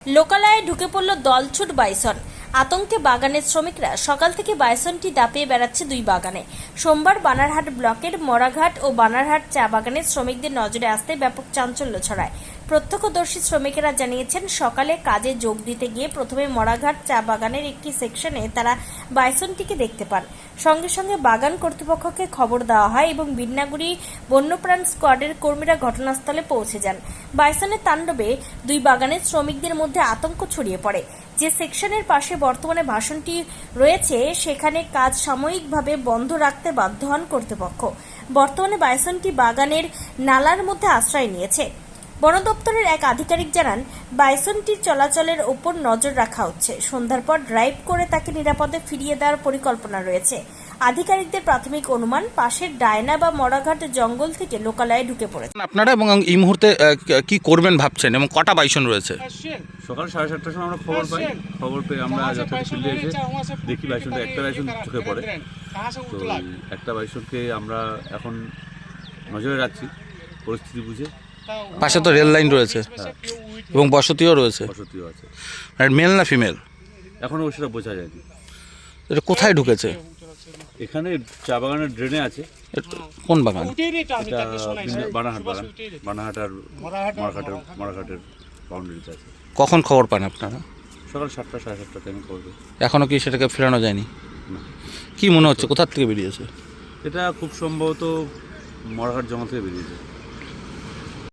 লোকালয়ে ঢুকে পড়ল দলছুট বাইসন। আতঙ্কে বাগানের শ্রমিকরা সকাল থেকে বাইসনটি দাপিয়ে বেড়াচ্ছে দুই বাগানে। সোমবার বানারহাট ব্লকের মরাঘাট ও বানারহাট চা বাগানের শ্রমিকদের নজরে আসতে ব্যাপক চাঞ্চল্য ছড়ায়। প্রত্যক্ষদর্শী শ্রমিকেরা জানিয়েছেন, সকালে কাজে যোগ দিতে গিয়ে প্রথমে মরাঘাট চা বাগানের একটি সেকশনে তারা বাইসনটিকে দেখতে পান। সঙ্গে সঙ্গে বাগান কর্তৃপক্ষকে খবর দেওয়া হয় এবং বিন্নাগুড়ি বন্যপ্রাণ স্কোয়াডের কর্মীরা ঘটনাস্থলে পৌঁছে যান। বাইসনের তাণ্ডবে দুই বাগানের শ্রমিকদের মধ্যে আতঙ্ক ছড়িয়ে পড়ে। যে সেকশনের পাশে বর্তমানে ভাষণটি রয়েছে সেখানে কাজ সাময়িকভাবে বন্ধ রাখতে বাধ্য হন কর্তৃপক্ষ। বর্তমানে বাইসনটি বাগানের নালার মধ্যে আশ্রয় নিয়েছে। বন দপ্তরের এক আধিকারিক জানান, বাইসনটির চলাচলের ওপর নজর রাখা হচ্ছে। সন্ধ্যার পর ড্রাইভ করে তাকে নিরাপদে ফিরিয়ে দেওয়ার পরিকল্পনা রয়েছে। আধিকারিকদের প্রাথমিক অনুমান, পাশের ডায়না বা মরাঘাট জঙ্গল থেকে লোকালয়ে ঢুকে পড়েছে। আপনারা এবং এই মুহূর্তে কি করবেন ভাবছেন এবং কটা বাইসন রয়েছে? সকাল 7:30টার সময় আমরা খবর পেয়ে আমরা যথাযথ ফিল্ডে এসে দেখি বাইসনটা একটা বাইসন চোখে পড়ে। তো একটা বাইসনকে আমরা এখন নজরে রাখছি পরিস্থিতি বুঝে। পাশে তো রেল লাইন রয়েছে এবং বসতিও রয়েছে। বসতিও আছে। আর মেল না ফিমেল এখনও সেটা বোঝা যায়নি। এটা কোথায় ঢুকেছে? এখানে চা বাগানের ড্রেনে আছে। কোন বাগান? এটা বানারহাট বাগান, বানারহাট আর মরাঘাটের বাউন্ডারিতে আছে। কখন খবর পান আপনারা? সকাল 7টা 7:30টাতে আমি খবর পাই। এখনো কি সেটাকে ফেরানো যায়নি? না। কি মনে হচ্ছে কোথা থেকে বেরিয়েছে? এটা খুব সম্ভবত মরাঘাট জঙ্গল থেকে বেরিয়েছে।